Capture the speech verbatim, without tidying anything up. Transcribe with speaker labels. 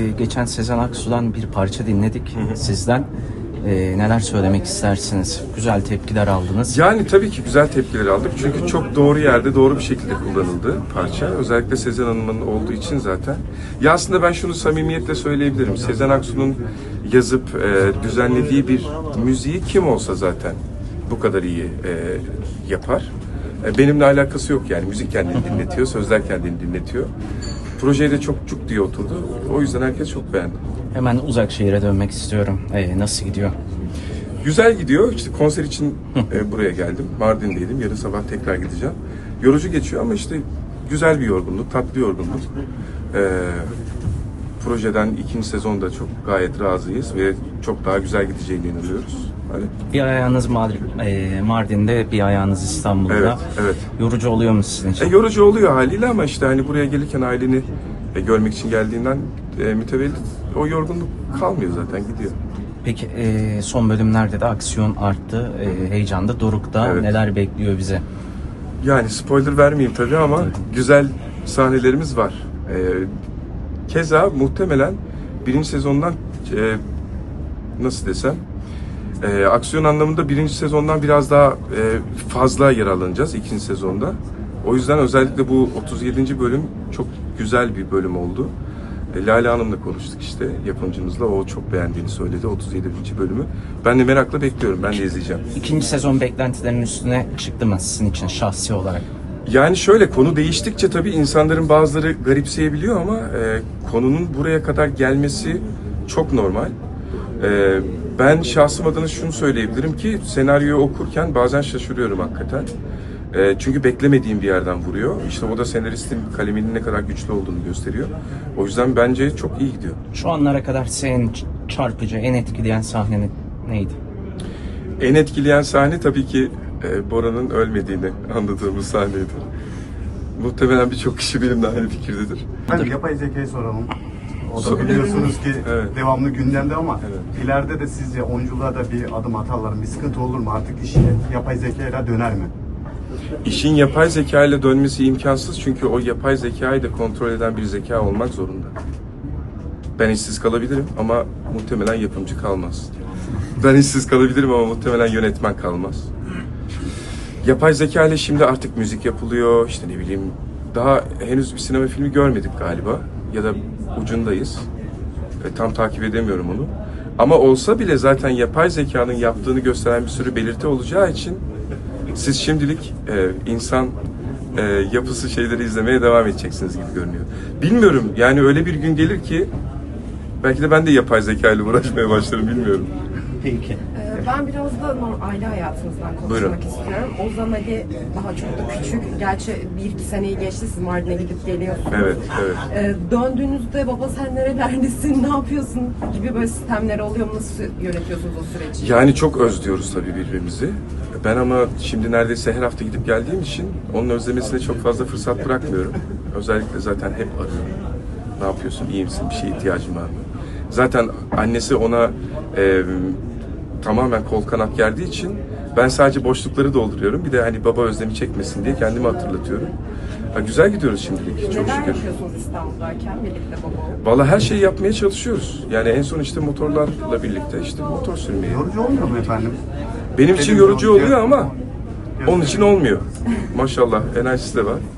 Speaker 1: geçen Sezen Aksu'dan bir parça dinledik sizden. E, neler söylemek istersiniz? Güzel tepkiler aldınız.
Speaker 2: Yani tabii ki güzel tepkiler aldık. Çünkü çok doğru yerde, doğru bir şekilde kullanıldı parça. Özellikle Sezen Hanım'ın olduğu için zaten. Ya aslında ben şunu samimiyetle söyleyebilirim. Sezen Aksu'nun yazıp e, düzenlediği bir müziği kim olsa zaten bu kadar iyi e, yapar. E, benimle alakası yok yani. Müzik kendini dinletiyor, sözler kendini dinletiyor. Projeye de çok cuk diye oturdu. O yüzden herkes çok beğendi.
Speaker 1: Hemen uzak şehire dönmek istiyorum. E, nasıl gidiyor?
Speaker 2: Güzel gidiyor. İşte konser için e, buraya geldim. Mardin'deydim. Yarın sabah tekrar gideceğim. Yorucu geçiyor ama işte güzel bir yorgunluk, tatlı yorgunluk. E, projeden ikinci sezonda çok gayet razıyız ve çok daha güzel gideceğine inanıyoruz. Hani...
Speaker 1: Bir ayağınız Madrid, e, Mardin'de, bir ayağınız İstanbul'da.
Speaker 2: Evet, evet.
Speaker 1: Yorucu oluyor mu sizin için?
Speaker 2: E, yorucu oluyor haliyle ama işte hani buraya gelirken aileni e, görmek için geldiğinden e, mütevellit o yorgunluk kalmıyor zaten, gidiyor.
Speaker 1: Peki e, son bölümlerde de aksiyon arttı, e, heyecan da dorukta.
Speaker 2: Evet.
Speaker 1: Neler bekliyor bize?
Speaker 2: Yani spoiler vermeyeyim tabii ama güzel sahnelerimiz var. E, keza muhtemelen birinci sezondan e, nasıl desem e, aksiyon anlamında birinci sezondan biraz daha e, fazla yer alınacağız ikinci sezonda. O yüzden özellikle bu otuz yedinci bölüm çok güzel bir bölüm oldu. E, Lale Hanım'la konuştuk işte yapımcımızla. O çok beğendiğini söyledi otuz yedinci bölümü. Ben de merakla bekliyorum. Ben de izleyeceğim.
Speaker 1: İkinci sezon beklentilerinin üstüne çıktı mı sizin için şahsi olarak?
Speaker 2: Yani şöyle, konu değiştikçe tabii insanların bazıları garipseyebiliyor ama e, konunun buraya kadar gelmesi çok normal. E, ben şahsım adına şunu söyleyebilirim ki senaryoyu okurken bazen şaşırıyorum hakikaten. E, çünkü beklemediğim bir yerden vuruyor. İşte o da senaristin kaleminin ne kadar güçlü olduğunu gösteriyor. O yüzden bence çok iyi gidiyor.
Speaker 1: Şu anlara kadar sizi en çarpıcı, en etkileyen sahne neydi?
Speaker 2: En etkileyen sahne tabii ki e, Bora'nın ölmediğini anladığımız sahneydi. Muhtemelen birçok kişi benimle aynı fikirdedir.
Speaker 3: Ben yapay zekayı soralım. O da
Speaker 2: Sor-
Speaker 3: biliyorsunuz ki
Speaker 2: Evet.
Speaker 3: devamlı gündemde ama
Speaker 2: Evet.
Speaker 3: ileride de sizce oyunculuğa da bir adım atarlar mı? Bir sıkıntı olur mu? Artık iş yapay zekayla döner mi?
Speaker 2: İşin yapay zeka ile dönmesi imkansız çünkü o yapay zekayı da kontrol eden bir zeka olmak zorunda. Ben işsiz kalabilirim ama muhtemelen yapımcı kalmaz. Ben işsiz kalabilirim ama muhtemelen yönetmen kalmaz. Yapay zeka ile şimdi artık müzik yapılıyor, işte ne bileyim, daha henüz bir sinema filmi görmedik galiba ya da ucundayız. E, tam takip edemiyorum onu. Ama olsa bile zaten yapay zekanın yaptığını gösteren bir sürü belirti olacağı için siz şimdilik e, insan e, yapısı şeyleri izlemeye devam edeceksiniz gibi görünüyor. Bilmiyorum, yani öyle bir gün gelir ki belki de ben de yapay zeka ile uğraşmaya başlarım, bilmiyorum.
Speaker 1: Peki.
Speaker 4: Ee, Ben biraz da normal aile hayatınızdan konuşmak
Speaker 2: Buyurun.
Speaker 4: istiyorum. Ozan Ali daha çok da küçük. Gerçi bir iki seneyi geçti, siz Mardin'e gidip geliyorsunuz.
Speaker 2: Evet, evet.
Speaker 4: Ee, döndüğünüzde baba sen nerelerdesin, ne yapıyorsun gibi böyle sistemler oluyor mu? Nasıl yönetiyorsunuz o süreci?
Speaker 2: Yani çok özlüyoruz tabii birbirimizi. Ben ama şimdi neredeyse her hafta gidip geldiğim için onun özlemesine çok fazla fırsat bırakmıyorum. Özellikle zaten hep arıyorum. Ne yapıyorsun, iyi misin, bir şeye ihtiyacın var mı? Zaten annesi ona e, tamamen kol kanat gerdiği için ben sadece boşlukları dolduruyorum. Bir de hani baba özlemi çekmesin diye kendimi hatırlatıyorum. Ha, güzel gidiyoruz şimdilik, çok
Speaker 4: Neler
Speaker 2: şükür.
Speaker 4: yapıyorsunuz İstanbul'dayken birlikte baba olup?
Speaker 2: Vallahi her şeyi yapmaya çalışıyoruz. Yani en son işte motorlarla birlikte işte motor sürmeyi.
Speaker 3: Yorucu olmuyor mu efendim?
Speaker 2: Benim için
Speaker 3: Televizyon,
Speaker 2: yorucu oluyor ama
Speaker 3: televizyon.
Speaker 2: onun için olmuyor. Maşallah enerjisi de var.